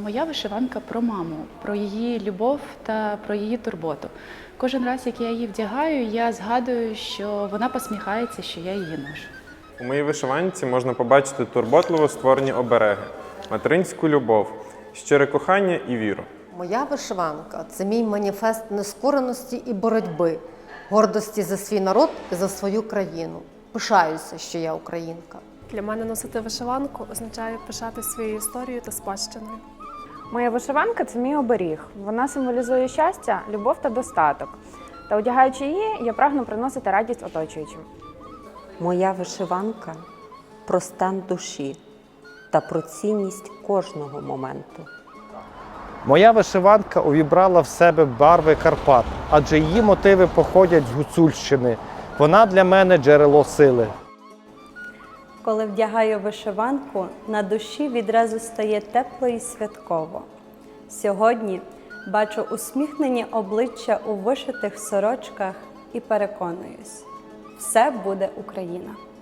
Моя вишиванка про маму, про її любов та про її турботу. Кожен раз, як я її вдягаю, я згадую, що вона посміхається, що я її ношу. У моїй вишиванці можна побачити турботливо створені обереги, материнську любов, щире кохання і віру. Моя вишиванка – це мій маніфест нескореності і боротьби, гордості за свій народ і за свою країну. Пишаюся, що я українка. Для мене носити вишиванку означає пишати своєю історією та спадщиною. Моя вишиванка – це мій оберіг. Вона символізує щастя, любов та достаток. Та одягаючи її, я прагну приносити радість оточуючим. Моя вишиванка про стан душі та про цінність кожного моменту. Моя вишиванка увібрала в себе барви Карпат, адже її мотиви походять з Гуцульщини. Вона для мене джерело сили. Коли вдягаю вишиванку, на душі відразу стає тепло і святково. Сьогодні бачу усміхнені обличчя у вишитих сорочках і переконуюсь – все буде Україна.